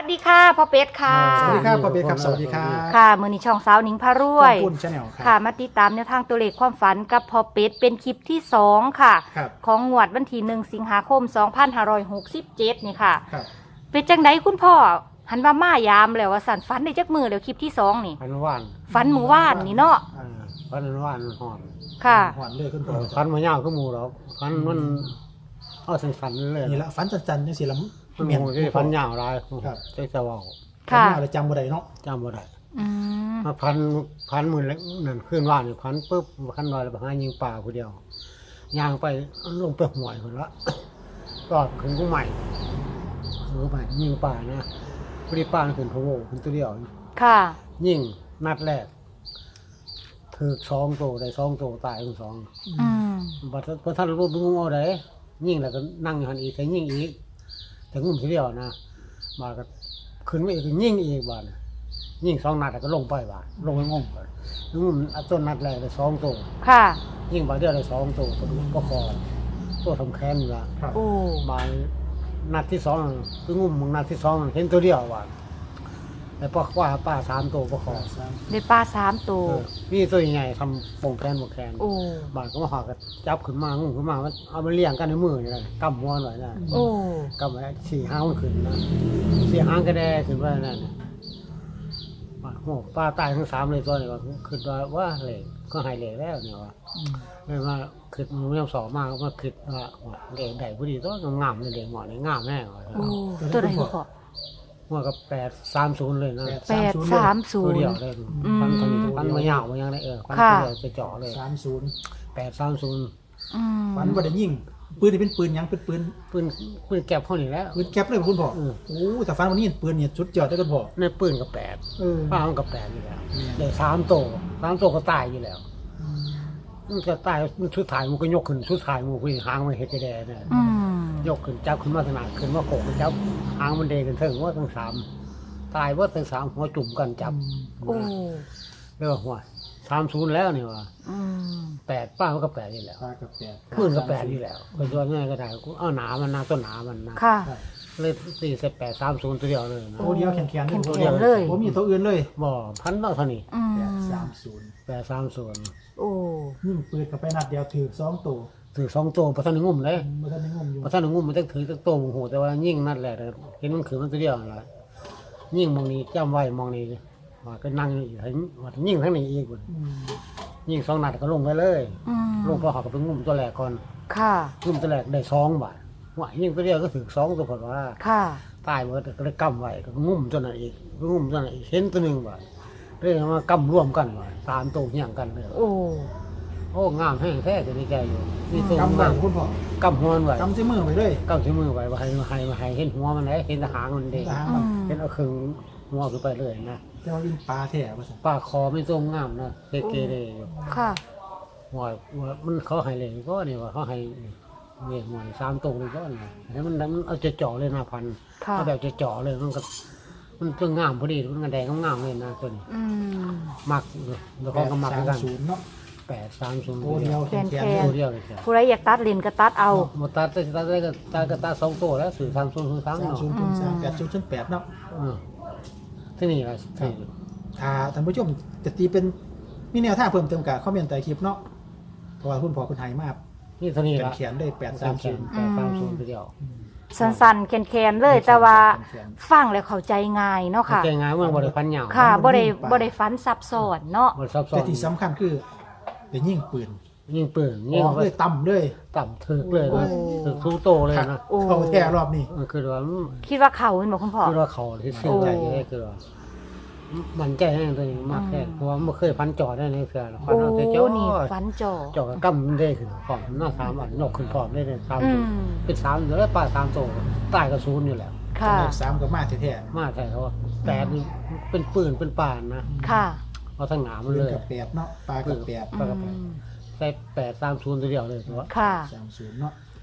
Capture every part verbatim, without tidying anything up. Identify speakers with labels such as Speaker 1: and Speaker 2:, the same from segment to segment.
Speaker 1: ดีค่ะพ่อเป็ดค่ะ
Speaker 2: สวัสดีครับพ่อเป็ดครับสวัสดีครับ
Speaker 1: ค่ะมื้อนี้ช่องสาวหนิงพารวย
Speaker 2: ปุ้นชาแนลครับ
Speaker 1: ค่ะมาติดตามแนวทางตัวเลขความฝันกับพ่อเป็ดเป็นคลิปที่สองค่ะ
Speaker 2: ครับ
Speaker 1: ของงวดวันที่หนึ่งสิงหาคมสองพันห้าร้อยหกสิบเจ็ดนี่ค่ะ
Speaker 2: ครับ
Speaker 1: เป็นจังไดคุณพ่อหันว่ามายามแล้วว่าสั่นฝันได้จักมือแล้วคลิปที่สองนี่
Speaker 3: พันวาน
Speaker 1: ฝันหมู่ว่านนี่เนาะ
Speaker 3: เออพันวานหอน
Speaker 1: ค่ะ
Speaker 2: หวานเลยคุณพ่อ
Speaker 3: พันมายาวขึ้นหมูหรอกพันมันเอาสันสันๆเลย
Speaker 2: นี่ละฝันจันๆจังซี่ละ
Speaker 3: มันหมูที่พันยาวหลาย
Speaker 2: ครับ
Speaker 3: ใช้จะเว่า
Speaker 1: ค่ะ
Speaker 2: ฝันยาวเลยจำบ่ได้เนาะ
Speaker 3: จำบ่ได้
Speaker 1: อืม
Speaker 3: มาพันพันหมื่นแล้วนั่นขึ้นว่านนี่พันปุ๊บพันลอยแล้วไปหายิงป่าผู้เดียวย่างไปลงไปห่วยคนละก็ขึ้นกุ้งใหม่ขึ้นกุ้งใหม่ยิงป่านะพอดีป่าขึ้นพะโวขึ้นตัวเดียว
Speaker 1: ค่ะ
Speaker 3: ยิงนัดแรกถือสองโตได้สองโตตายทั้งสอง
Speaker 1: อืม
Speaker 3: บัดพอท่านรู้บุ้งเอาได้ยิ่งแล้วก็นั่งอยู่หันอีกแต่ยิ่งอีกแต่งุ่มทีเดียวนะมาก็ขึ้นมาอีกก็ยิ่งอีกบาดยิ่งสองนัดแล้วก็ลงไปบาดลงไปงงบาดงุ่มต้นนัดแรกได้สองตัว
Speaker 1: ค่ะ
Speaker 3: ยิ่งบาดเดียวได้สองตัวตัวก็คอตัวทำแค้นละ
Speaker 2: ครับ
Speaker 1: โอ้
Speaker 3: มานัดที่สองคืองุ่มมึงนัดที่สองเห็นตัวเดียวบาดแต่ป้าว่าป้าสามตัวป้าคอ
Speaker 1: ได้ปลาสามตัว
Speaker 3: เออนี่ตัวใหญ่ทำปงแคนปงแคน
Speaker 1: โอ้
Speaker 3: บาดก็มาหากันจับขึ้นมางุ่มขึ้นมามันเอามาเลี้ยงกันในมือนี่แหละกำหัวหน่อยนะ
Speaker 1: โอ้
Speaker 3: กำไว้สี่ห้างมันขึ้นนะสี่ห้างก็ได้ขึ้นไปนั่นน่ะบาดโหป้าตายทั้งสามเลยตัวนี้ว่าขึ้นว่าว่าเหล็กก็หายเหล็กแล้วเนี่ยว่าเลยว่าขึ้นมือไม่ต้องสอบมากมาขึ้นว่าเหล็กใหญ่พอดีตัวงามเลยเหล็กหมอนี่งามแน่ว่ะ
Speaker 1: โอ้ตัวไหนพ่อ
Speaker 3: หัวก็แปดสามศูนย์เลยนะ
Speaker 1: แปดสามศู
Speaker 3: ตัวน เดี
Speaker 1: ย์
Speaker 3: ยวเลยพันตอนนี้พันมายาวมายังได้เออพัน
Speaker 1: ค่ะ
Speaker 3: ตัวเดียวจะเจาะเลย
Speaker 2: สามศูนย์
Speaker 3: แปดสามศูนย์
Speaker 1: อืม
Speaker 2: ฝันบ่ได้ยิงปืนนี่เป็นปืนหยังเป็นปืน
Speaker 3: ปืนปืนแก็บเขานี่แล้ว
Speaker 2: ปืนแก๊ปเลยคุณพ่อ
Speaker 3: เออ
Speaker 2: โอ้แต่ฝันวันนี้ปืนเนี่ยสุดยอดเลยคุณพ่อ
Speaker 3: ในปืนก็แปด
Speaker 2: เออ
Speaker 3: ป้ามันก็แปดอยู่แล้วเดี๋ยวสามโตสามโตก็ตายอยู่แล้วมันจะตายมันชุดถ่ายมันก็ยกขึ้นชุดถ่ายมันก็หางมันเห็ดแดงเนี่ย
Speaker 1: อืม
Speaker 3: ยกขึ้นจับขึ้นมาขนาดขึ้นมาโขกจับหางมันเดกันถึงว่าทั้งสามตายว่าทั้งสามหัวจุ่มกันจับ
Speaker 1: โอ้
Speaker 3: เรียกว่าหัวสามศูนย์แล้วนี่ว่า
Speaker 1: อืม
Speaker 3: แปดป้ามันก็แปดอยู่แล้ว
Speaker 2: ปลากับแปด
Speaker 3: ปืนก็แปดอยู่แล้วเป็นตัวง่ายก็ได้กูเอาหนามันนะต้นหนามันนะ
Speaker 1: ค่ะ
Speaker 3: เลยตีเสร็จแปดสามศูนย์ตัวเดียวเลยนะ
Speaker 2: ตัวเดียวแข็งๆ
Speaker 1: แข็งๆ
Speaker 2: ตัวดีว
Speaker 1: เลย
Speaker 2: ผมมีตัวอื่นเลย
Speaker 3: บ่พันเท่าเท่านี้
Speaker 1: อืม
Speaker 2: แปดสามศูนย์
Speaker 3: แปดสามศูนย์
Speaker 1: โอ้
Speaker 2: ยิงปืนกับไปนัดเดียวถือสองตัว
Speaker 3: ถือสองตัวประทันงุ่มเลย
Speaker 2: เมื่อท่านได้งมอยู่
Speaker 3: ประทันงุ่มมันต้องถือตั้งตัวโหแต่ว่ายิ่งนั่นแหละเห็นมันขืนมันตัวเดียวนั่นแหละยิ่งมองนี้จำไว้มองนี้ว่าก็นั่งอยู่ถึงว่ายิ่งทั้งนี้อีก
Speaker 2: อืม
Speaker 3: ยิ่งสองนัดก็ลงไปเลย
Speaker 1: อืม
Speaker 3: ลงไปหากับไปงุ่มตัวแรกก่อน
Speaker 1: ค่ะ
Speaker 3: งุ่มตัวแรกได้สองบาทว่ายิ่งตัวเดียวก็ถือสองตัวผลว่า
Speaker 1: ค่ะ
Speaker 3: ตายหมดก็เลยกำไว้ก็งุ่มตัวนั้นอีกงุ่มตัวนั้นอีกเห็นตัวหนึ่งบาทเลยมากำร่วมกันว่าสามตัวอย่างกันเลย
Speaker 1: โอ้
Speaker 3: โอ้งามแห้งแท้จะดีใจอยู่มีตัว
Speaker 2: กำไว้
Speaker 3: งาม
Speaker 2: คุณพ่อก
Speaker 3: ำหัวมันไว้
Speaker 2: กำใช้มือไว้เลย
Speaker 3: กำที่มือไว้ว่าให้ให้ให้เห็นหัวมันเลยเห็นหางมันเด้ง
Speaker 2: ทาง
Speaker 1: อื
Speaker 2: มัน
Speaker 1: ม
Speaker 3: เห็นเอาครึ่งหัวขึ้นไปเลยนะ
Speaker 2: จะมายิงปลาแท้ว่าซั่น
Speaker 3: ปากคอไม่ทรงงามนะเกเกเลยอยู่
Speaker 1: ค่ะ
Speaker 3: หัวหัวมันเขาให้เลยก็นี่ว่าเขาให้เนี่ยหัวนี่สามตัวเลยก็นี่แล้วมันมันเอาจะเจาะเลยนะพัน
Speaker 1: ค่ะ
Speaker 3: เอาแบบจะเจาะเลยมันก็มันตัวงามพอดีมันก็แดงงามเลยนะตัวนี้
Speaker 1: อืม
Speaker 3: มักแล้วก็ก็มักเหมือนกัน
Speaker 2: ศูนย์เนาะ
Speaker 3: แปดสามศูนย์
Speaker 2: โอ้เดียวแข็ง
Speaker 1: แขน
Speaker 2: ๆ
Speaker 3: ตัวเดียวเลยจ้ะ
Speaker 1: ผู้ใดอยากตัดเลนก็ตัดเอา
Speaker 3: หมดตัดได้ตัดได้ก็ตัดก็ตัดสองตัวแล้วสื่อสามศูนย์สาม
Speaker 2: สาม
Speaker 3: เนาะ
Speaker 2: ศูนย์ศูนย์สามแปดศูนย์ศูนย์แปดเนาะ
Speaker 3: อืมที่นี่ละที่
Speaker 2: ถ้าท่านผู้ชมจะตีเป็นมีแนวทางเพิ่มเติมกับคอมเมนต์ใต้คลิปเนาะเพราะว่าคุณพ่อคุณไทยมาก
Speaker 3: นี่เท่านี้ละ
Speaker 2: เขียนได้แปดสามศูนย์
Speaker 3: แปดสามศูนย์ตัวเดียว
Speaker 1: สั้นๆแคนๆเลย แต่ว่าฟังแล้วเข้าใจง่ายเนาะค่ะ
Speaker 3: ใจง่ายเมื่อบริพันธ์เหยา
Speaker 1: ค่ะบ่ได้บ่ได้ฟันซับซ้อนเนาะ
Speaker 3: บริซับซ้อ
Speaker 2: แต่
Speaker 3: น
Speaker 2: ที่สำคัญคือไปยิงปืน
Speaker 3: ยิงปืน
Speaker 2: อ
Speaker 3: ยิง
Speaker 2: อก
Speaker 3: ไป
Speaker 2: เลยต่ำเลย
Speaker 3: ต่ำถึกเลยนะ
Speaker 1: โอ้
Speaker 3: ถึกทุกโตเลยนะ
Speaker 1: โอ้
Speaker 2: เข้าแท้รอบนี้
Speaker 3: มันคือว่า
Speaker 1: คิดว่าเขาเป็นบ่คุณพ่อ
Speaker 3: คือว่าเขาที่ชื่อใจได้คือว่ามันใจให้ตัวนี้มากแค่เพราะว่าไม่เคยพันจอได้ในเสือพัน
Speaker 1: โอ้
Speaker 3: เอาแต่จ่อ
Speaker 1: นี่ฟันจ่อ
Speaker 3: จ่อกับกั้มมันได้ขึ้นพร้อมหน้าสามอันนกขึ้นพร้อมได้เลยสาม
Speaker 1: อื
Speaker 3: ตัว
Speaker 1: ม
Speaker 3: เป็นสามเดี๋ยวแล้วปลาสามโตตายกับศูนย์อยู่แล้ว
Speaker 1: ค่ะ
Speaker 2: เลขสามกับมาแท้
Speaker 3: มาแท้เขาแปดนี่เป็นปืนเป็นป่านนะ
Speaker 1: ค่ะ
Speaker 3: เอาทั้งหนา
Speaker 2: ๆ
Speaker 3: มัน
Speaker 2: ปื
Speaker 3: เล
Speaker 2: น
Speaker 3: ย
Speaker 2: กับแปดเนาะปลากับแปด
Speaker 3: ปลากับแปด
Speaker 1: อืม
Speaker 3: ใส่แปดสามศูนย์ตัวเดียวเลยตัว
Speaker 1: ค่ะ
Speaker 2: สามศูนย์เนาะ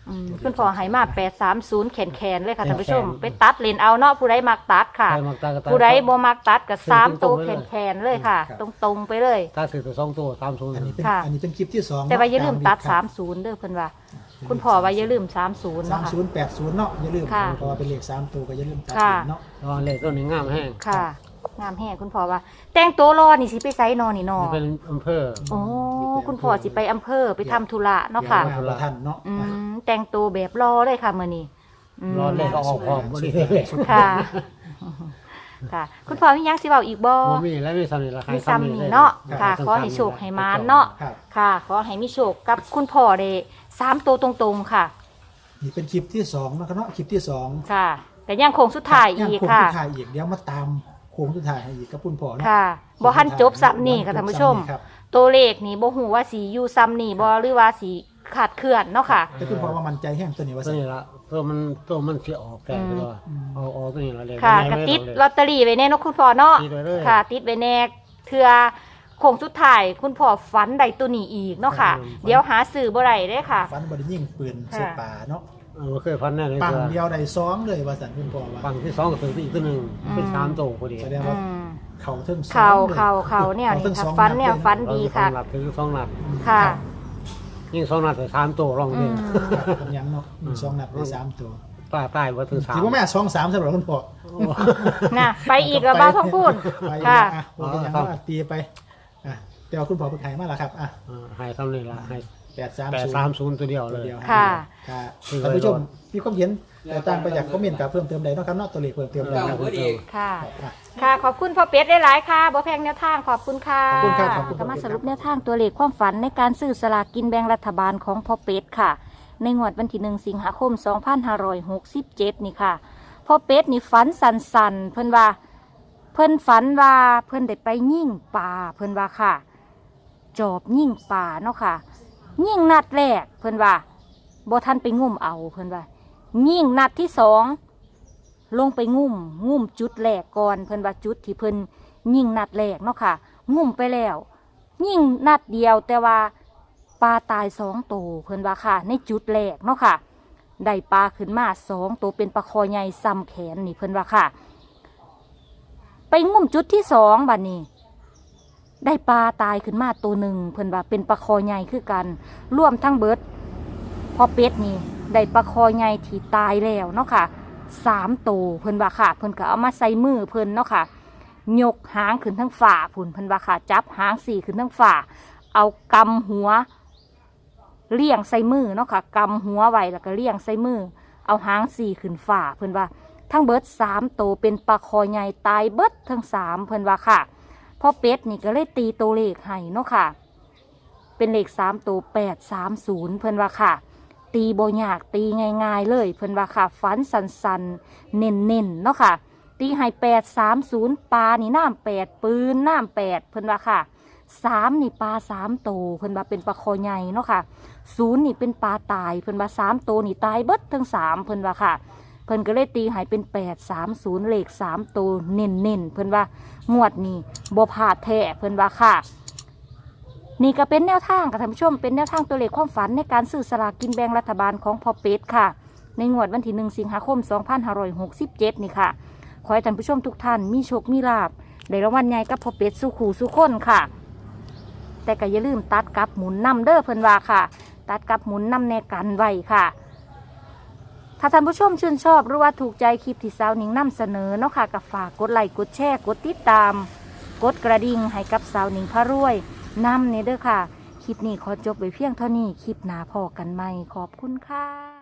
Speaker 1: อืมคุณพ่อให้มาแปดสามศูนย์แขนๆเลยค่ะท่านผู้ชมไปตัดเลนเอาเนาะผู้ใดมักตัดค่ะ
Speaker 3: ใครมักตากระตา
Speaker 1: ผู้ใดบ่มักตัดก็สาม
Speaker 3: ตร
Speaker 1: ตัว
Speaker 3: งๆไปเลย
Speaker 1: แขนๆเลยค่ะ ตรงๆไปเลย
Speaker 3: ตาถือตัวสองตัวสามศูนย์
Speaker 2: อันนี้เป็น
Speaker 1: ค่ะ
Speaker 2: อันนี้เป็นคลิปที่สอง
Speaker 1: แต่ว่าอย่าลืมตัด
Speaker 2: ครั
Speaker 1: สา
Speaker 2: บ
Speaker 1: มศูนย์เด้อเพิ่นว่า คุณพ่อว่าอย่าลืมสามศูนย์
Speaker 2: สาม
Speaker 1: เนาะ
Speaker 2: ศูนย์แปดศูนย์เนาะอย่าลืม
Speaker 1: ค่ะ
Speaker 2: เพราะว่าเป็นเลขสามตัวก็อย่าลืมตัด
Speaker 1: ค่ะ
Speaker 2: เนาะ
Speaker 3: ระวังเลขตัวนี้งามแห้ง
Speaker 1: ค่ะ งามแห้งคุณพ่อว่า แต่งตัวรอนี่สิไปไสนอนี่นอ
Speaker 3: นี่เป็นอำเภอ
Speaker 1: โอ้คุณพ่อสิไปอำเภอไปทำธุระเนาะค่ะ
Speaker 2: เดี๋ยวมาบ่ทันเนาะ
Speaker 1: อืมแต่งตัวแบบรอเลยค่ะมื้อนี้อืม
Speaker 3: รอเลขก็ออกพร้อมบ่ได้เลข
Speaker 1: ค่ะ ค่ะ คุณพ่อมีหยังสิเว้าอีกบ่
Speaker 3: บ่มีแล้วมีซ้ำนี่ละ
Speaker 1: มีซ้ำนี่เนาะค่ะ ขอให้โชคให้มานเนาะ
Speaker 2: ครับ
Speaker 1: ค่ะ ขอให้มีโชคกับคุณพ่อได้สามตัวตรงๆค่ะ
Speaker 2: นี่เป็นคลิปที่สองนะครับเนาะคลิปที่สอง
Speaker 1: ค่ะแต่ยังโค้งสุดท้ายอีก
Speaker 2: โค้ง
Speaker 1: ค่ะ
Speaker 2: สุดท้ายอีกเดี๋ยวมาตามโค้งสุดท้ายให้อีกกับคุณพ่อเนาะ
Speaker 1: ค่ะบ่ทันจบซ้ำนี่ค่ะท่านผู้ชม
Speaker 2: ครับ
Speaker 1: ตัวเลขนี่บ่ฮู้ว่าสิอยู่ซ้ำนี่บ่หรือว่าสิขาดเคลื่อนเนาะค่ะ
Speaker 2: แต่คุณพ่อว่ามั่นใจแห้งตัวนี้ว่า
Speaker 3: ตัว
Speaker 2: สิ
Speaker 3: นี้ละตัวมันตัวมันสิออกแก่ไปเลย
Speaker 2: อืม
Speaker 3: เอาออกตัวนี้ละเลข
Speaker 1: ค่ะ
Speaker 3: ไม่
Speaker 1: กระ
Speaker 3: ไม่
Speaker 1: ติด
Speaker 3: เอาเลข
Speaker 1: ลอตเตอรี่ไว้แน่เนาะคุณพ่อเนาะ
Speaker 3: ติดไว้เลย
Speaker 1: ค่ะ ติดไว้แน่เทื่อโค้งสุดท้ายคุณพ่อฝันได้ตัวนี้อีกเนาะค่ะ เดี๋ยวหาซื้อบ่ได้เด้ค่ะ
Speaker 2: ฟันบไดยิงปืนใส่ป่าเนาะ
Speaker 3: เออบ่เคยพันแน่เลย
Speaker 2: ปัง
Speaker 3: เสือ
Speaker 2: เดียวได้สองเลยว่าสันคุณพ่อว่า
Speaker 3: ปังที่สองก็ถืออีกตัวหนึ่ง
Speaker 1: อืม
Speaker 3: เป็นสามตัวพอดี
Speaker 2: แสดง
Speaker 1: อื
Speaker 2: ว่าม เขาถึงสอง
Speaker 1: เข่า
Speaker 2: ลย
Speaker 1: เข่าเข่าเนี่ย
Speaker 2: เขา
Speaker 1: นี่
Speaker 2: ถึง
Speaker 1: ค่ะ
Speaker 2: สอง
Speaker 1: ฟันเนี่ย
Speaker 2: ดล
Speaker 1: ฟันดีค่ะ
Speaker 3: สองนัดถือสองนัด
Speaker 1: ค่ะ
Speaker 3: ยิ่งสองนัดถือสามตัวรอง
Speaker 1: อื
Speaker 3: เดีย
Speaker 1: ม
Speaker 2: ครับผมยังเนาะมีสองนัดได้สามตัว
Speaker 3: ป้าตายว่าถือสาม
Speaker 2: ถือว่าแม่สองสามสำหรับคุณพ่อ
Speaker 1: น่ะไปอีกแล้วบ้าท้องพูด
Speaker 2: ไป
Speaker 1: ค่ะ
Speaker 2: อ่ะผมก็ยังว่าตีไปอ่ะแต่ว่าคุณพ่อเพิ่งหายมาแล้วครับอ่ะ
Speaker 3: เออให้ทำนี่ละให้
Speaker 2: แปดสาม
Speaker 3: แปด
Speaker 2: ศูนย์
Speaker 3: สามศูนย์ตัวเดียว
Speaker 2: ตั
Speaker 3: เล
Speaker 2: วย เดียว
Speaker 1: ค่ะ
Speaker 2: ค่ะ
Speaker 3: คือ
Speaker 2: ท่านผู้ชมมีความเห็นแต่ต่างไปจากคอมเมนต์กับเพิ่มเติมใดเนาะครับเนาะตัวเลขเพิ่มเติมใดครับ
Speaker 1: ค่ะ
Speaker 2: อ่ะ
Speaker 1: ค่ะ ขอบคุณพ่อเป็ดหลายๆค่ะบ่แพงแนวทางขอบคุณค่ะ
Speaker 2: ขอบคุณครับขอบคุณครับ
Speaker 1: ก็มาสรุปแนวทางตัวเลขความฝันในการซื้อสลากกินแบ่งรัฐบาลของพ่อเป็ดค่ะ ในงวดวันที่หนึ่งสิงหาคมสองพันห้าร้อยหกสิบเจ็ดนี่ค่ะพ่อเป็ดนี่ฝันสันๆเพิ่นว่า เพิ่นฝันว่าเพิ่นได้ไปยิ่งป่าเพิ่นว่าค่ะ จอบยิ่งป่าเนาะค่ะ ยิ่งนัดแรกเพิ่นว่าบ่ทันไปงุ่มเอาเพิ่นว่ายิ่งนัดที่สองลงไปงุ่มงุ่มจุดแรกก่อนเพิ่นว่าจุดที่เพิ่นยิ่งนัดแรกเนาะค่ะงุ่มไปแล้วยิ่งนัดเดียวแต่ว่าปลาตายสองตัวเพิ่นว่าค่ะ ในจุดแรกเนาะค่ะได้ปลาขึ้นมาสองตัวเป็นปลาคอใหญ่ซ้ำแขนนี่เพิ่นว่าค่ะ ไปงุ่มจุดที่สองบัดนี้ ได้ปลาตายขึ้นมาตัวหนึ่งเพิ่นว่าเป็นปลาคอใหญ่คือกันร่วมทั้งเบิดพอเป็ดนี่ได้ปลาคอใหญ่ที่ตายแล้วเนาะค่ะสามตัวเพิ่นว่าค่ะ เพิ่นก็เอามาใส่มือเพิ่นเนาะค่ะยกหางขึ้นทั้งฝ่าพุ่นเพิ่นว่าค่ะจับหางสี่ขึ้นทั้งฝ่าเอากำหัวเลี่ยงใส่มือเนาะค่ะกำหัวไว้แล้วก็เลี่ยงใส่มือเอาหางสี่ขึ้นฝ่าเพิ่นว่าทั้งเบิดสามตัวเป็นปลาคอใหญ่ตายเบิดทั้งสามเพิ่นว่าค่ะพ่อเป็ดนี่ก็เลยตีตัวเลขให้เนาะค่ะเป็นเลขสามตัวแปดสามศูนย์เพิ่นว่าค่ะตีโบยากตีง่ายๆเลยเพิ่นว่าค่ะฟันสันๆเน้นๆเนาะค่ะตีให้แปดสามศูนย์ปลานี่น้ำแปดปืนน้ำแปดเพิ่นว่าค่ะสามนี่ปลาสามตัวเพิ่นว่าเป็นปลาคอใหญ่เนาะค่ะศูนย์นี่เป็นปลาตายเพิ่นว่าสามตัวนี่ตายเบิดทั้งสามเพิ่นว่าค่ะเพิ่นก็เลยตีให้เป็นแปดสามศูนย์เลขสามตัวเน้นๆเพิ่นว่างวดนี้บ่พลาดแท้เพิ่นว่าค่ะนี่ก็เป็นแนวทางค่ะท่านผู้ชมเป็นแนวทางตัวเลขความฝันในการซื้อสลากกินแบ่งรัฐบาลของพ่อเป็ดค่ะในงวดวันที่หนึ่งสิงหาคมสองพันห้าร้อยหกสิบเจ็ดนี่ค่ะขอให้ท่านผู้ชมทุกท่านมีโชคมีลาภได้รางวัลใหญ่กับพ่อเป็ดสู่ขู่สู่คนค่ะแต่ก็อย่าลืมตัดกับหมุนนำเด้อเพิ่นว่าค่ะ ตัดกับหมุนนำแนกันไว้ค่ะถ้าท่านผู้ชมชื่นชอบหรือว่าถูกใจคลิปที่สาวหนิงนำเสนอเนาะค่ะก็ฝากกดไลค์กดแชร์กดติดตามกดกระดิ่งให้กับสาวหนิงพระรวยนำเนี่ยเด้อค่ะคลิปนี้ขอจบไว้เพียงเท่านี้คลิปหน้าพอกันใหม่ขอบคุณค่ะ